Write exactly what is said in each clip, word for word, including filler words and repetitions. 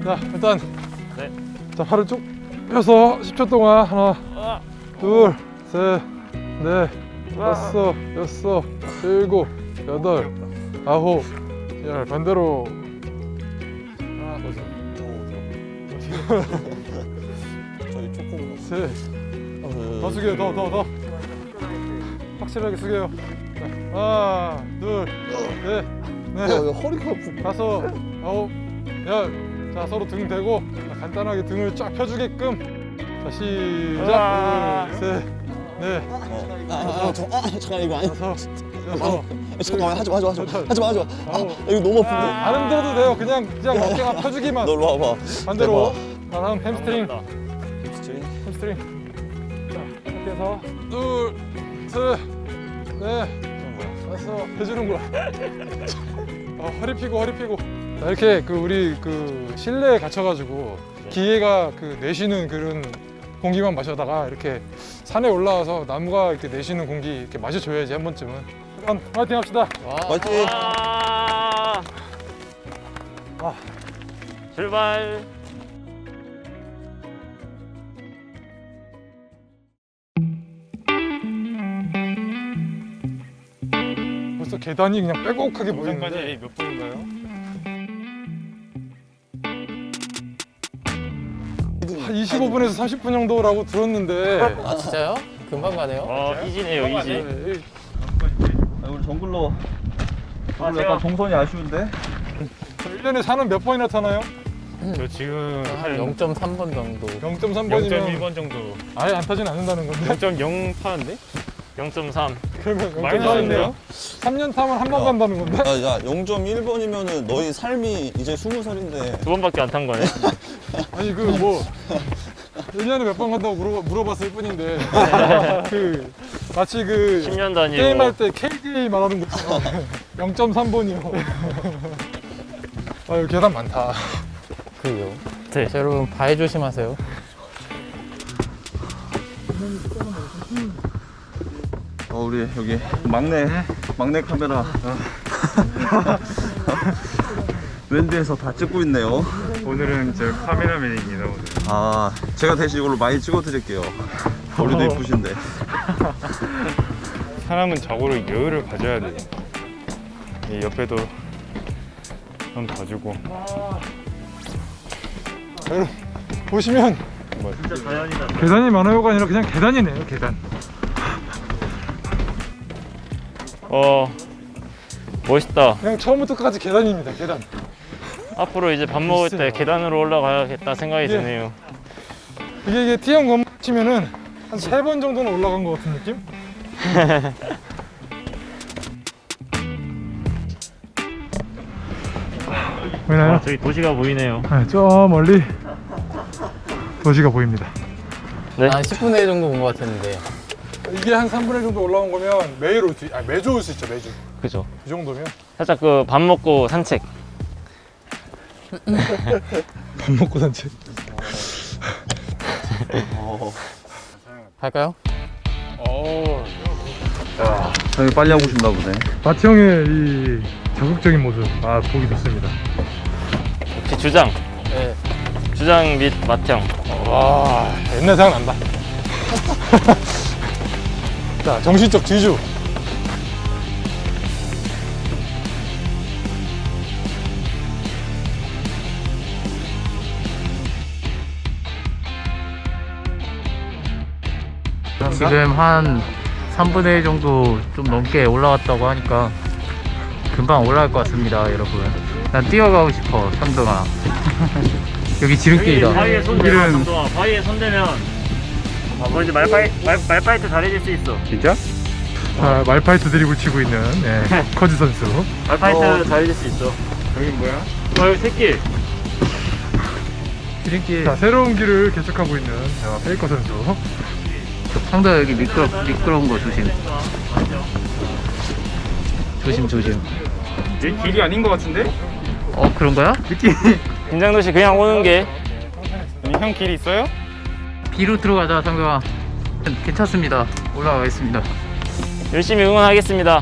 자, 일단 네. 자, 팔을 쭉 펴서 십 초 동안 하나, 둘, 셋, 넷, 다섯, 여섯, 일곱, 여덟, 아홉, 열. 반대로. 하나, 저희 조금 셋. 더 숙여요. 더, 더, 더. 확실하게 숙여요. 자, 하나, 둘, 셋, 넷, 야, 허리가 아프. 다섯, 아홉, 열. 자, 서로 등 대고 자, 간단하게 등을 쫙 펴주게끔. 자, 시작. 둘, 셋, 넷, 아, 아, 저, 아, 잠깐 이거 아니. 다섯, 여섯. 잠깐만 하지 마, 하지 마, 하지 마, 하지 마, 하지 마. 아, 아홉. 이거 너무 아픈데. 안 흔들어도 돼요. 그냥 그냥 어깨가 펴주기만. 너 일로 와봐. 반대로. 자, 다음 햄스트링. 햄스트링. 햄스트링. 자, 이렇게 해서 둘, 셋, 넷, 다섯. 해주는 거야. 어, 허리 펴고 허리 펴고. 자, 이렇게 그 우리 그 실내에 갇혀가지고 기계가 그 내쉬는 그런 공기만 마셔다가 이렇게 산에 올라와서 나무가 이렇게 내쉬는 공기 이렇게 마셔줘야지 한 번쯤은. 일단 파이팅 합시다. 파이팅. 아, 아. 출발. 벌써 계단이 그냥 빼곡하게 보이는데. 몇 분인가요? 한 이십오 분에서 삼십 분 정도라고 들었는데. 아 진짜요? 금방 가네요. 와, 이지네요, 이지. 네, 아, 우리 정글로 아, 오늘 약간 동선이 아쉬운데? 저 일 년에 산은 몇 번이나 타나요? 저 지금 한 영 점 삼 번 정도. 영 점 삼 번이면 영 점 일 번 정도. 아예 안 타진 않는다는 건데. 영 점 영 타는데? 영 점 삼. 그러면 많이 나왔네요. 삼 년 타면 한 번 간다는 건데. 야, 야, 영 점 일 번이면은 너희 삶이 이제 스무 살인데. 두 번밖에 안 탄 거네. 아니 그 뭐 일 년에 몇 번 간다고 물어, 물어봤을 뿐인데 그 마치 그 십 년 단위로. 게임할 때 케이디에이 말하는 것처럼 영 점 삼 번이요. 아유 계단 많다. 그요. 네. 자, 여러분 바위 조심하세요. 어, 우리 여기 막내 막내 카메라 웬드에서 다 찍고 있네요. 오늘은 저 카메라맨입니다. 오늘. 아, 제가 대신 이걸로 많이 찍어 드릴게요. 머리도 이쁘신데. 사람은 자고로 여유를 가져야 돼. 이 옆에도 좀 봐주고. 여러분 보시면 진짜 자연이다. 계단이 많아요가 아니라 그냥 계단이네요. 계단. 어, 멋있다. 그냥 처음부터 끝까지 계단입니다. 계단. 앞으로 이제 밥 먹을 때 글쎄요. 계단으로 올라가야겠다 생각이 예. 드네요. 이게 이게 T형 건물 치면은 한 세 번 정도는 올라간 것 같은 느낌? 보이나요? 와, 저기 도시가 보이네요. 네, 저 멀리 도시가 보입니다. 네. 한 십 분의 일 정도 온 것 같았는데. 이게 한 삼분의 일 정도 올라온 거면 매일 올 수, 아 매주 올 수 있죠. 매주. 그죠. 이 정도면. 살짝 그 밥 먹고 산책. 밥 먹고 산책. 갈까요? 오. 형이 빨리 하고 싶나 보네. 마티 형의 이 적극적인 모습, 아 보기 좋습니다. 역시 주장. 네. 주장 및 맏형. 와, 옛날 생각난다. 자, 정신적 지주. 지금 한 삼분의 일 정도 좀 넘게 올라왔다고 하니까 금방 올라갈 것 같습니다, 여러분. 난 뛰어가고 싶어, 상동아. 여기 지름길이다. 바위에 손 대면 정도아. 바위에 손 대면 뭐 이제 말파이 말 말파이트 잘해질 수 있어. 진짜? 자, 말파이트 드리블 치고 있는 네, 커즈 선수. 말파이트 잘해질 수 있어. 여긴 뭐야? 어, 여기 새길. 지름길. 자, 새로운 길을 개척하고 있는 자, 페이커 선수. 상도야, 여기 미끄러, 미끄러운 거 조심. 조심, 조심. 이 길이 아닌 것 같은데? 어, 그런 거야? 느낌. 김장도시 그냥 오는 게. 아니, 형 길이 있어요? B로 들어가자, 상도야. 괜찮습니다. 올라가겠습니다. 열심히 응원하겠습니다.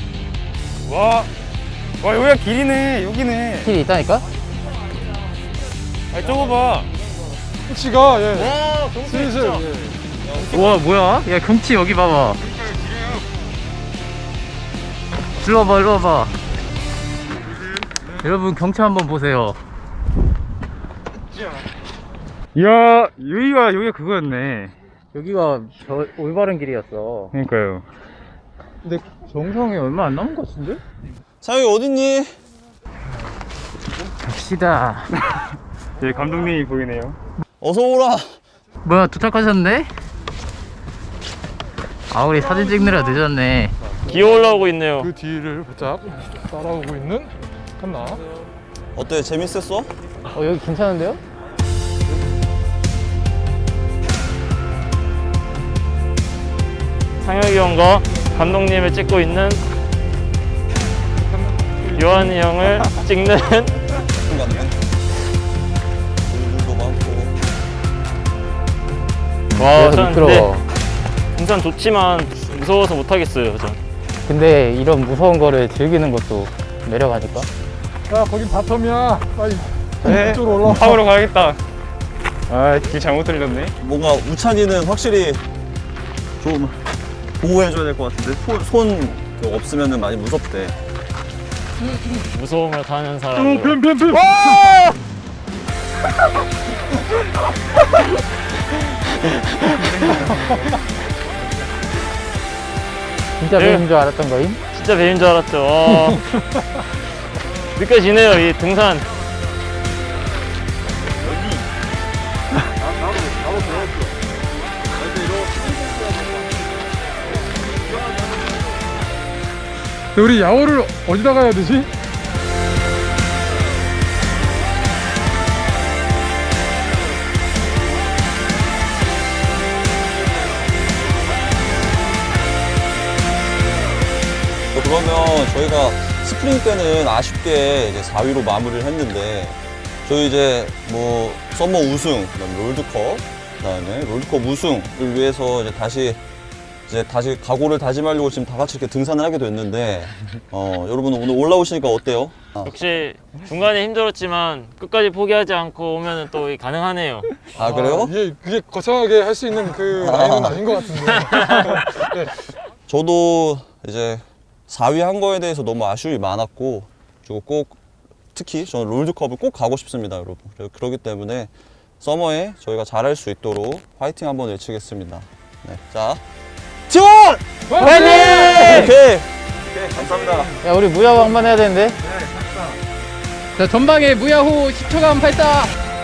와, 와 여기가 길이네. 여기네. 길이 있다니까? 아 좁아봐. 경치가 예. 와 경치 슬슬 진짜. 예. 우와 뭐야? 야 경치 여기 봐봐. 일로 와봐 일로 와봐. 여러분 경치 한번 보세요. 이야 여기가 여기가 그거였네. 여기가 저 올바른 길이었어. 그러니까요. 근데 정상에 얼마 안 남은 것 같은데? 상혁이 어딨니? 갑시다. 저희 감독님이 보이네요. 어서 오라. 뭐야 도착하셨네? 아 우리 사진 찍느라 늦었네. 기어 올라오고 있네요. 그 뒤를 바짝 따라오고 있는 칸나. 어때? 재밌었어? 어 여기 괜찮은데요? 상혁이 형과 감독님을 찍고 있는 요한이 형을 찍는 같네. 물도 많고. 와, 전 근데 등산 좋지만 무서워서 못 하겠어요, 전. 근데 이런 무서운 거를 즐기는 것도 매력 아닐까? 야 거긴 바텀이야. 빨리 네. 이쪽으로 올라와. 탑으로 가야겠다. 아, 길 잘못 들렸네. 뭔가 우찬이는 확실히 좀 보호해줘야 될 것 같은데 손, 손그 없으면 많이 무섭대. 무서움을 타는 사람. 뱀뱀뱀. 진짜 네. 뱀인 줄 알았던 거임? 진짜 뱀인 줄 알았죠. 와. 느껴지네요, 이 등산. 우리 야호를 어디다 가야 되지? 그러면 저희가 스프링 때는 아쉽게 이제 사 위로 마무리를 했는데 저희 이제 뭐 썸머 우승, 그다음에 롤드컵, 그다음에 롤드컵 우승을 위해서 이제 다시 이제 다시 각오를 다짐하려고 지금 다 같이 이렇게 등산을 하게 됐는데 어 여러분 오늘 올라오시니까 어때요? 아, 역시 중간에 힘들었지만 끝까지 포기하지 않고 오면 또 가능하네요. 아 그래요? 이게 그게 거창하게 할 수 있는 그 라인은 아닌 것 같은데. 네. 저도 이제 사 위 한 거에 대해서 너무 아쉬움이 많았고 그리고 꼭 특히 저는 롤드컵을 꼭 가고 싶습니다, 여러분. 그래- 그렇기 때문에 서머에 저희가 잘할 수 있도록 화이팅 한번 외치겠습니다. 네, 자 지원! 화이팅! 오케이. 오케이, 감사합니다. 야 우리 무야호 한 번 해야 되는데? 자 전방에 무야호 십 초간 발사!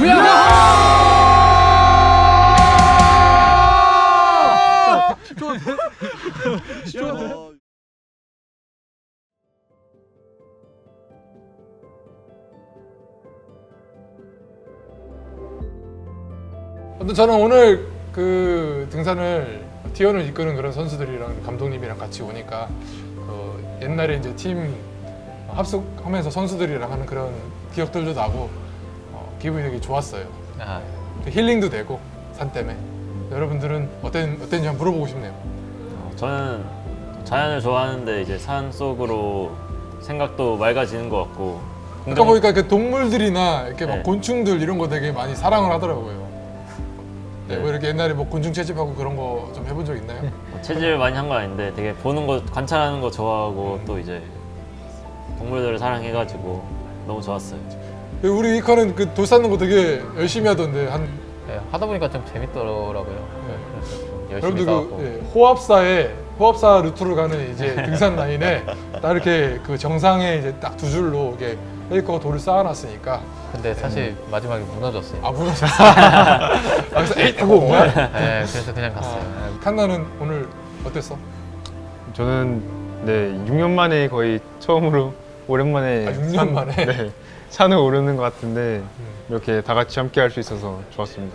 아무튼 저는 오늘 그 등산을 티원을 이끄는 그런 선수들이랑 감독님이랑 같이 오니까 그 옛날에 이제 팀 합숙하면서 선수들이랑 하는 그런 기억들도 나고 어, 기분이 되게 좋았어요. 아, 힐링도 되고 산 때문에. 여러분들은 어땠, 어땠는지 한번 물어보고 싶네요. 저는 자연을 좋아하는데 이제 산 속으로 생각도 맑아지는 것 같고. 아까 보니까 그 동물들이나 이렇게 막 네. 곤충들 이런 거 되게 많이 사랑을 하더라고요. 네, 네. 뭐 이렇게 옛날에 뭐 곤충 채집하고 그런 거 좀 해본 적 있나요? 뭐 체질을 많이 한 건 아닌데 되게 보는 거, 관찰하는 거 좋아하고 또 이제 동물들을 사랑해가지고 너무 좋았어요. 우리 이카는 그 돌 쌓는 거 되게 열심히 하던데 한 네, 하다 보니까 좀 재밌더라고요. 네, 그래서 좀 열심히 여러분들 싸웠고. 그 예, 호합사에 호합사 루트로 가는 이제 등산 라인에 딱 이렇게 그 정상에 이제 딱 두 줄로 이게 헬리코가 돌을 쌓아놨으니까 근데 사실 마지막에 무너졌어요. 아 무너졌어. 아, 그래서 에잇 하고 온 거야? 네, 그래서 그냥 갔어요. 아, 칸나는 오늘 어땠어? 저는 네, 육 년 만에 거의 처음으로 오랜만에 아, 육 년 산- 만에? 네, 산을 오르는 것 같은데 이렇게 다 같이 함께 할 수 있어서 좋았습니다.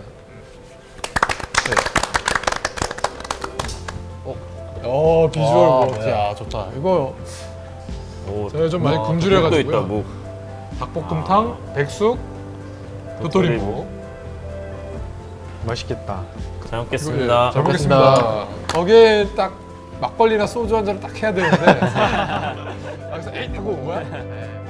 어 비주얼 와, 뭐, 뭐야. 야 좋다. 이거 오, 제가 좀 많이 와, 굶주려가지고요. 묵도 있다, 묵. 닭볶음탕, 백숙, 도토리묵. 맛있겠다. 잘 먹겠습니다. 예, 잘 먹겠습니다. 거기에 딱 막걸리나 소주 한 잔을 딱 해야 되는데 아, 그래서 에잇 하고 온 거야? 네.